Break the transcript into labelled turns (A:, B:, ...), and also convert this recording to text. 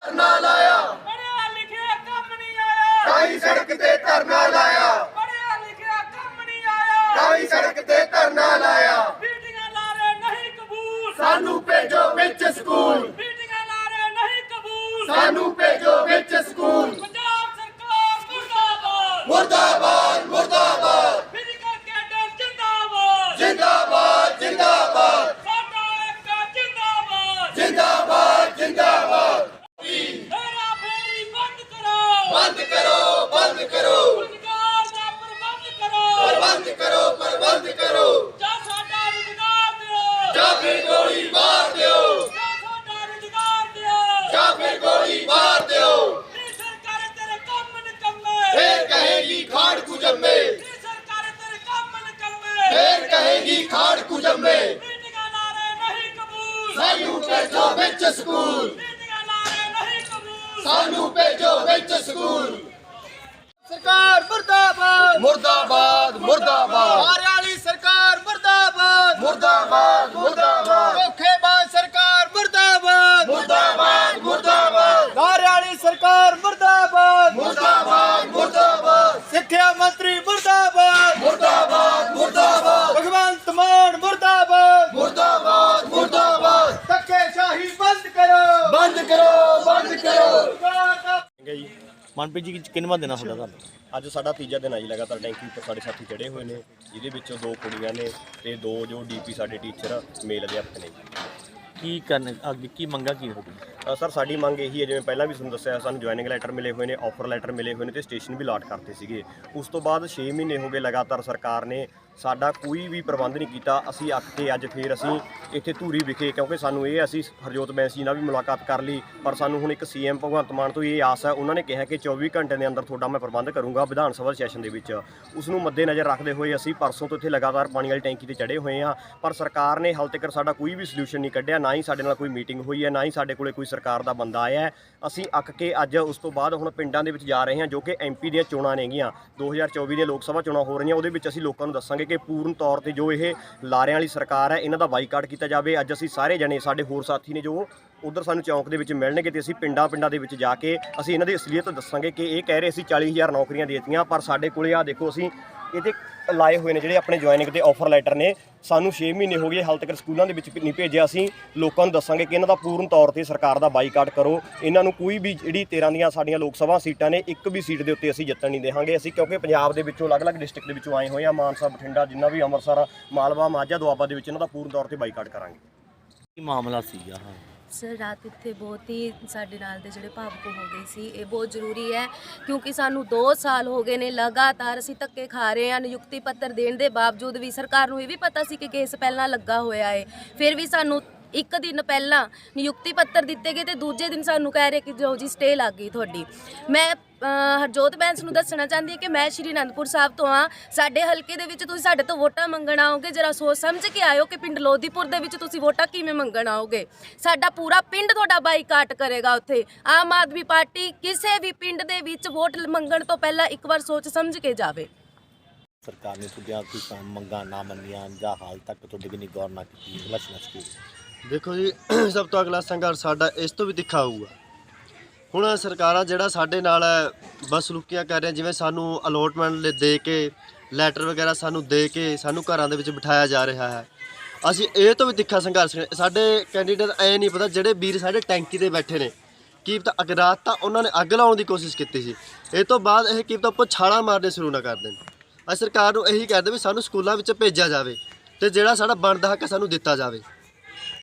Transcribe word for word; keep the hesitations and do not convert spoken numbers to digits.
A: धरना लाया,
B: पढ़िया लिखिया कम नहीं आया,
A: ताई सड़क ते धरना लाया,
B: पढ़िया लिखिया कम नहीं आया,
A: ताई सड़क ते धरना लाया,
B: मीटिंगां ला रहे नहीं कबूल,
A: सानू भेजो विच स्कूल,
B: मीटिंगां ला रहे नहीं कबूल,
A: सानू भेजो विच स्कूल।
B: पंजाब सरकार मुर्दाबाद,
A: मुर्दाबाद मुर्दाबाद
B: फिजिकल कैडर जिंदाबाद,
A: जिंदाबाद जिंदाबाद
B: साडा एकता जिंदाबाद,
A: जिंदाबाद जिंदाबाद।
B: हेरा फेरी बंद करो,
A: बंद करो बंद करो,
B: रोजगार दा प्रबंध करो,
A: प्रबंध करो प्रबंध करो,
B: जा साडा रोजगार दियो,
A: या फिर गोली मार दियो,
B: जा साडा रोजगार दियो,
A: या फिर गोली मार दियो।
B: नी सरकार तेरे काम निकम्मे,
A: फिर कहेगी खाड़ कुजम्मे,
B: नी सरकार तेरे काम निकम्मे,
A: फिर कहेगी खाड़ कुजम्मे,
B: मीटिंगां ला रहे नहीं कबूल,
A: सानू भेजो विच स्कूल,
B: मीटिंगां ला रहे नहीं कबूल,
A: सानू भेजो विच स्कूल।
C: सरकार मुर्दाबाद,
A: मुर्दाबाद मुर्दाबाद
C: हरियाणी सरकार मुर्दाबाद,
A: मुर्दाबाद मुर्दाबाद
C: धोखेबाज सरकार मुर्दाबाद,
A: मुर्दाबाद मुर्दाबाद
C: हरियाणी सरकार मुर्दाबाद,
A: मुर्दाबाद मुर्दाबाद
C: सिक्ख्या मंत्री मुर्दाबाद,
A: मुर्दाबाद मुर्दाबाद
C: भगवंत मान मुर्दाबाद,
A: मुर्दाबाद मुर्दाबाद।
C: धक्केशाही बंद करो,
A: बंद करो बंद करो।
C: सरकार का
D: ਜੀ ਮਨਪ੍ਰੀਤ ਜੀ ਕਿੰਨਵਾਂ ਦਿਨ ਆ ਤੁਹਾਡਾ ਤੁਹਾਨੂੰ?
E: ਅੱਜ ਸਾਡਾ ਤੀਜਾ ਦਿਨ ਆ ਜੀ ਲਗਾਤਾਰ ਟੈਂਕੀ ਉੱਪਰ ਸਾਡੇ ਸਾਥੀ ਚੜ੍ਹੇ ਹੋਏ ਨੇ, ਜਿਹਦੇ ਵਿੱਚੋਂ ਦੋ ਕੁੜੀਆਂ ਨੇ ਤੇ ਦੋ ਜੋ ਡੀਪੀ ਸਾਡੇ ਟੀਚਰ ਮੇਲ ਅਧਿਆਪਕ ਨੇ।
D: ਕੀ ਕਰਨ ਅੱਗੇ ਕੀ ਮੰਗਾ ਕੀ ਹੋਊਗੀ?
E: ਅ, ਸਰ ਸਾਡੀ ਮੰਗ ਇਹੀ ਹੈ, ਜਿਵੇਂ ਪਹਿਲਾਂ ਵੀ ਤੁਹਾਨੂੰ ਦੱਸਿਆ, ਸਾਨੂੰ ਜੁਆਇਨਿੰਗ ਲੈਟਰ ਮਿਲੇ ਹੋਏ ਨੇ, ਆਫਰ ਲੈਟਰ ਮਿਲੇ ਹੋਏ ਨੇ ਤੇ ਸਟੇਸ਼ਨ ਵੀ ਅਲਾਟ ਕਰਤੇ ਸੀਗੇ। ਉਸ ਤੋਂ ਬਾਅਦ ਛੇ ਮਹੀਨੇ ਹੋ ਗਏ ਲਗਾਤਾਰ ਸਰਕਾਰ ਨੇ ਸਾਡਾ ਕੋਈ ਵੀ ਪ੍ਰਬੰਧ ਨਹੀਂ ਕੀਤਾ। ਅਸੀਂ ਅੱਕ ਕੇ ਅੱਜ ਫੇਰ ਅਸੀਂ ਇੱਥੇ ਧੂਰੀ ਵਿਖੇ, ਕਿਉਂਕਿ ਸਾਨੂੰ ਇਹ ਅਸੀਂ ਹਰਜੋਤ ਬੈਂਸੀ ਨਾਲ ਵੀ ਮੁਲਾਕਾਤ ਕਰ ਲਈ, ਪਰ ਸਾਨੂੰ ਹੁਣ ਇੱਕ ਸੀਐਮ ਭਗਵੰਤ ਮਾਨ ਤੋਂ ਇਹ ਆਸ ਹੈ, ਉਹਨਾਂ ਨੇ ਕਿਹਾ ਕਿ ਚੌਵੀ ਘੰਟੇ ਦੇ ਅੰਦਰ ਤੁਹਾਡਾ ਮੈਂ ਪ੍ਰਬੰਧ ਕਰੂੰਗਾ ਵਿਧਾਨ ਸਭਾ ਸੈਸ਼ਨ ਦੇ ਵਿੱਚ। ਉਸ ਨੂੰ ਮੱਦੇਨਜ਼ਰ ਰੱਖਦੇ ਹੋਏ ਅਸੀਂ ਪਰਸੋਂ ਤੋਂ ਇੱਥੇ ਲਗਾਤਾਰ ਪਾਣੀ ਵਾਲੀ ਟੈਂਕੀ ਤੇ ਚੜ੍ਹੇ ਹੋਏ ਹਾਂ, ਪਰ ਸਰਕਾਰ ਨੇ ਹਾਲ ਤੱਕ ਸਾਡਾ ਕੋਈ ਵੀ ਸੋਲੂਸ਼ਨ ਨਹੀਂ ਕੱਢਿਆ, ਨਾ ਹੀ ਸਾਡੇ ਨਾਲ ਕੋਈ ਮੀਟਿੰਗ ਹੋਈ ਹੈ, ਨਾ ਹੀ ਸਾਡੇ ਕੋਲੇ ਕੋਈ ਸਰਕਾਰ ਦਾ ਬੰਦਾ ਆਇਆ ਹੈ। ਅਸੀਂ ਅੱਕ ਕੇ ਅੱਜ ਉਸ ਤੋਂ ਬਾਅਦ ਹੁਣ ਪਿੰਡਾਂ ਦੇ ਵਿੱਚ ਜਾ ਰਹੇ ਹਾਂ, ਜੋ ਕਿ ਐਮਪੀ ਦੀਆਂ ਚੋਣਾਂ ਨੇਗੀਆਂ, ਦੋ ਹਜ਼ਾਰ ਚੌਵੀ ਦੀਆਂ ਲੋਕ ਸਭਾ ਚੋਣਾਂ ਹੋ ਰਹੀਆਂ। ਉਹਦੇ ਵਿੱਚ ਅਸੀਂ ਲੋਕਾਂ ਨੂੰ ਦੱਸਾਂਗੇ ਕਿ ਪੂਰਨ ਤੌਰ ਤੇ ਜੋ ਇਹ ਲਾਰਿਆਂ ਵਾਲੀ ਸਰਕਾਰ ਹੈ, ਇਹਨਾਂ ਦਾ ਬਾਈਕਾਟ ਕੀਤਾ ਜਾਵੇ। ਅੱਜ ਅਸੀਂ ਸਾਰੇ ਜਣੇ, ਸਾਡੇ ਹੋਰ ਸਾਥੀ ਨੇ ਜੋ ਉਧਰ ਸਾਨੂੰ ਚੌਂਕ ਦੇ ਵਿੱਚ ਮਿਲਣਗੇ ਤੇ ਅਸੀਂ ਪਿੰਡਾਂ ਪਿੰਡਾਂ ਦੇ ਵਿੱਚ ਜਾ ਕੇ ਅਸੀਂ ਇਹਨਾਂ ਦੀ ਅਸਲੀਅਤ ਦੱਸਾਂਗੇ ਕਿ ਇਹ ਕਹਿ ਰਹੇ ਅਸੀਂ ਚਾਲੀ ਹਜ਼ਾਰ ਨੌਕਰੀਆਂ ਦੇ ਦਿੱਤੀਆਂ, ਪਰ ਸਾਡੇ ਕੋਲੇ ਆ ਦੇਖੋ ਅਸੀਂ ਇਹਦੇ ਲਾਏ ਹੋਏ ਨੇ ਜਿਹੜੇ ਆਪਣੇ ਜੁਆਇਨਿੰਗ ਤੇ ਆਫਰ ਲੈਟਰ ਨੇ। ਸਾਨੂੰ ਛੇ ਮਹੀਨੇ ਹੋ ਗਏ ਹਾਲ ਤੱਕ ਸਕੂਲਾਂ ਦੇ ਵਿੱਚ ਨਹੀਂ ਭੇਜਿਆ। ਅਸੀਂ ਲੋਕਾਂ ਨੂੰ ਦੱਸਾਂਗੇ ਕਿ ਇਹਨਾਂ ਦਾ ਪੂਰਨ ਤੌਰ ਤੇ ਸਰਕਾਰ ਦਾ ਬਾਈਕਾਟ ਕਰੋ। ਇਹਨਾਂ ਨੂੰ ਕੋਈ ਵੀ ਜਿਹੜੀ ਤੇਰਾਂ ਦੀਆਂ ਸਾਡੀਆਂ ਲੋਕ ਸਭਾ ਸੀਟਾਂ ਨੇ, ਇੱਕ ਵੀ ਸੀਟ ਦੇ ਉੱਤੇ ਅਸੀਂ ਜਿੱਤਣ ਨਹੀਂ ਦੇਵਾਂਗੇ। ਅਸੀਂ ਕਿਉਂਕਿ ਪੰਜਾਬ ਦੇ ਵਿੱਚੋਂ ਅਲੱਗ-ਅਲੱਗ ਡਿਸਟ੍ਰਿਕਟ ਦੇ ਵਿੱਚੋਂ ਆਏ ਹੋਏ ਆ, ਮਾਨਸਾ, ਬਠਿੰਡਾ, ਜਿੰਨਾ ਵੀ ਅੰਮ੍ਰਿਤਸਰ, ਮਾਲਵਾ, ਮਾਝਾ, ਦੁਆਬਾ ਦੇ ਵਿੱਚ ਇਹਨਾਂ ਦਾ ਪੂਰਨ ਤੌਰ ਤੇ ਬਾਈਕਾਟ ਕਰਾਂਗੇ।
D: ਕੀ ਮਾਮਲਾ ਸੀਗਾ? ਹਾਂ
F: ਸਰ ਰਾਤ ਇੱਥੇ ਬਹੁਤ ਹੀ ਸਾਡੇ ਨਾਲ ਦੇ ਜਿਹੜੇ ਭਾਵੁਕ ਹੋ ਗਏ ਸੀ। ਇਹ ਬਹੁਤ ਜ਼ਰੂਰੀ ਹੈ ਕਿਉਂਕਿ ਸਾਨੂੰ ਦੋ ਸਾਲ ਹੋ ਗਏ ਨੇ ਲਗਾਤਾਰ ਅਸੀਂ ਧੱਕੇ ਖਾ ਰਹੇ ਹਾਂ। ਨਿਯੁਕਤੀ ਪੱਤਰ ਦੇਣ ਦੇ ਬਾਵਜੂਦ ਵੀ ਸਰਕਾਰ ਨੂੰ ਇਹ ਵੀ ਪਤਾ ਸੀ ਕਿ ਕੇਸ ਪਹਿਲਾਂ ਲੱਗਾ ਹੋਇਆ ਹੈ, ਫਿਰ ਵੀ ਸਾਨੂੰ ਇੱਕ ਦਿਨ ਪਹਿਲਾਂ ਨਿਯੁਕਤੀ ਪੱਤਰ ਦਿੱਤੇ ਗਏ ਤੇ ਦੂਜੇ ਦਿਨ ਸਾਨੂੰ ਕਹਿ ਰਹੇ ਕਿ ਜੋ ਜੀ ਸਟੇ ਲੱਗ ਗਈ ਤੁਹਾਡੀ। ਮੈਂ ਹਰਜੋਤ ਬੈਂਸ ਨੂੰ ਦੱਸਣਾ ਚਾਹੁੰਦੀ ਹਾਂ ਕਿ ਮੈਂ ਸ਼੍ਰੀ ਅਨੰਦਪੁਰ ਸਾਹਿਬ ਤੋਂ ਹਾਂ। ਸਾਡੇ ਹਲਕੇ ਦੇ ਵਿੱਚ ਤੁਸੀਂ ਸਾਡੇ ਤੋਂ ਵੋਟਾਂ ਮੰਗਣ ਆਓਗੇ, ਜਰਾ ਸੋਚ ਸਮਝ ਕੇ ਆਇਓ ਕਿ ਪਿੰਡ ਲੋਧੀਪੁਰ ਦੇ ਵਿੱਚ ਤੁਸੀਂ ਵੋਟਾਂ ਕਿਵੇਂ ਮੰਗਣ ਆਓਗੇ। ਸਾਡਾ ਪੂਰਾ ਪਿੰਡ ਤੁਹਾਡਾ ਬਾਈਕਾਟ ਕਰੇਗਾ। ਉੱਥੇ ਆਮ ਆਦਮੀ ਪਾਰਟੀ ਕਿਸੇ ਵੀ ਪਿੰਡ ਦੇ ਵਿੱਚ ਵੋਟ ਮੰਗਣ ਤੋਂ ਪਹਿਲਾਂ ਇੱਕ ਵਾਰ ਸੋਚ ਸਮਝ ਕੇ ਜਾਵੇ।
D: ਸਰਕਾਰ ਨੇ ਤੁਹਾਡੀਆਂ ਕੋਈ ਮੰਗਾਂ ਨਾ ਮੰਨੀਆਂ ਜਾਂ ਹਾਲ ਤੱਕ ਤੁਹਾਡੇ ਕਿੰਨੀ ਗੌਰ ਨਾ ਕੀਤੀ? ਅਗਲਾ ਕੀ
G: ਦੇਖੋ ਜੀ, ਸਭ ਤੋਂ ਅਗਲਾ ਸੰਘਰਸ਼ ਸਾਡਾ ਇਸ ਤੋਂ ਵੀ ਤਿੱਖਾ ਹੋਊਗਾ। ਹੁਣ ਸਰਕਾਰਾਂ ਜਿਹੜਾ ਸਾਡੇ ਨਾਲ ਬਦਸਲੂਕੀਆਂ ਕਰ ਰਹੀਆਂ, ਜਿਵੇਂ ਸਾਨੂੰ ਅਲੋਟਮੈਂਟ ਦੇ ਕੇ ਲੈਟਰ ਵਗੈਰਾ ਸਾਨੂੰ ਦੇ ਕੇ ਸਾਨੂੰ ਘਰਾਂ ਦੇ ਵਿੱਚ ਬਿਠਾਇਆ ਜਾ ਰਿਹਾ ਹੈ, ਅਸੀਂ ਇਹ ਤੋਂ ਵੀ ਤਿੱਖਾ ਸੰਘਰਸ਼। ਸਾਡੇ ਕੈਂਡੀਡੇਟ ਐ ਨਹੀਂ ਪਤਾ, ਜਿਹੜੇ ਵੀਰ ਸਾਡੇ ਟੈਂਕੀ ਤੇ ਬੈਠੇ ਨੇ, ਕੀ ਪਤਾ ਅਗ ਰਾਤ ਤਾਂ ਉਹਨਾਂ ਨੇ ਅੱਗ ਲਾਉਣ ਦੀ ਕੋਸ਼ਿਸ਼ ਕੀਤੀ ਸੀ, ਇਹ ਤੋਂ ਬਾਅਦ ਇਹ ਕੀ ਪਤਾ ਉੱਪਰ ਛਾਲਾਂ ਮਾਰਨੇ ਸ਼ੁਰੂ ਨਾ ਕਰ ਦੇਣ। ਅਸੀਂ ਸਰਕਾਰ ਨੂੰ ਇਹੀ ਕਹਿੰਦੇ ਵੀ ਸਾਨੂੰ ਸਕੂਲਾਂ ਵਿੱਚ ਭੇਜਿਆ ਜਾਵੇ ਤੇ ਜਿਹੜਾ ਸਾਡਾ ਬਣਦਾ ਹੱਕ ਸਾਨੂੰ ਦਿੱਤਾ ਜਾਵੇ।